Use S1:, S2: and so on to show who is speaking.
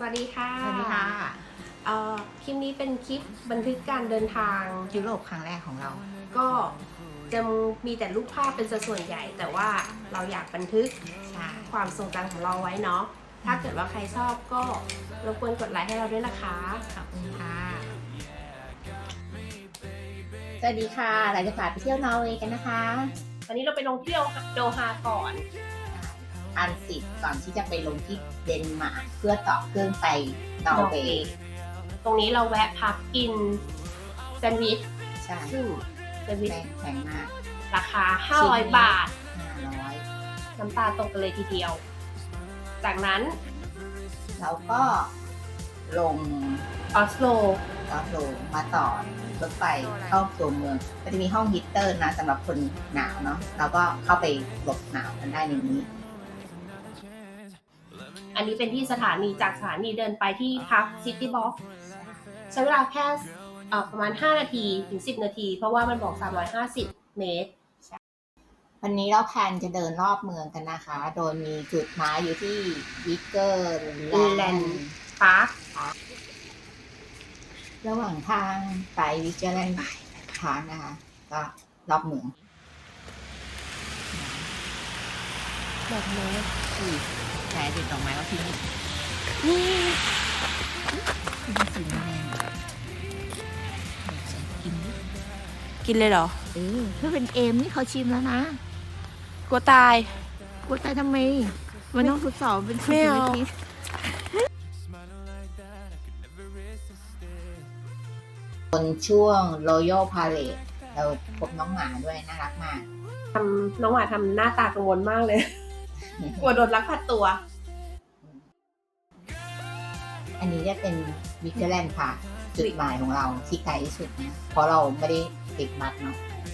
S1: วัสดีค่ะ
S2: สวัสดีค่ะ
S1: คลิปนี้เป็นคลิปบันทึกการเดินทาง
S2: ยุโรปครั้งแรกของเรา
S1: ก็จะมีแต่รูปภาพเป็นส่วนใหญ่ แต่ว่าเราอยากบันทึก
S2: ใช่
S1: ความทรงจำของเราไว้เนาะ ถ้าเกิดว่าใครชอบก็รบกวนกดไลค์ให้เราด้วยนะคะ
S2: ขอบคุณค่ะ สวัสดีค่ะเราจะพาไปเที่ยวนอร์เวย์กันนะคะ
S1: วันนี้เราไปลงเที่ยวโดฮาก่อน
S2: ทรานสิตก่อนที่จะไปลงที่เดนมาร์กเพื่อต่อเครื่องไปนอร์เวย์
S1: ตรงนี้เราแวะพักกินแซนด์วิช
S2: ใช่
S1: ซึ่งแซนด์วิช
S2: แพงมาก
S1: ราคา 500 บาท
S2: 500
S1: น้ำตาตกกันเลยทีเดียว จากนั้น
S2: แล้วก็ลง
S1: ออสโล
S2: ออสโลมาต่อรถไฟเข้าตัวเมืองก็จะมีห้องฮีตเตอร์นะสำหรับคนหนาวเนาะเราก็เข้าไปหลบหนาวกันได้ในนี้
S1: อันนี้เป็นที่สถานีจากสถานีเดินไปที่พักซิตี้บ็อกใช้เวลาแค่ประมาณ 5 นาทีถึง 10 นาที เพราะว่ามันบอก 350 เมตร
S2: วันนี้เราแพลนจะเดินรอบเมืองกันนะคะ โดยมีจุดหมายอยู่ที่วิกเกอร์แลนด์
S1: ปาร์ค
S2: ระหว่างทางไปวิกเกอร์แลนด์พาร์คนะคะ ก็รอบเมือง
S1: ดอกไม้
S2: แผลติดดอกไม้ว่าที่นี่นี่สีแดงกินดิ
S1: กินเลยเหรอ
S2: ถ้าเป็นเอมนี่เขาชิมแล้วนะ
S1: กลัวตาย
S2: กลัวตายทำไม มันต้องทดสอบเป็น
S1: ไม่เอา
S2: บนช่วง Royal Parade เราพบน้องหมาด้วยน่ารักมาก
S1: น้องหวาทำหน้าตากังวลมากเลย กลัวโดนลักพาตัว
S2: อันนี้จะเป็นวิกเกอร์แลนด์ค่ะ จุดหมายของเราที่ไกลที่สุดนะ เพราะเราไม่ได้ติดบัสเนาะ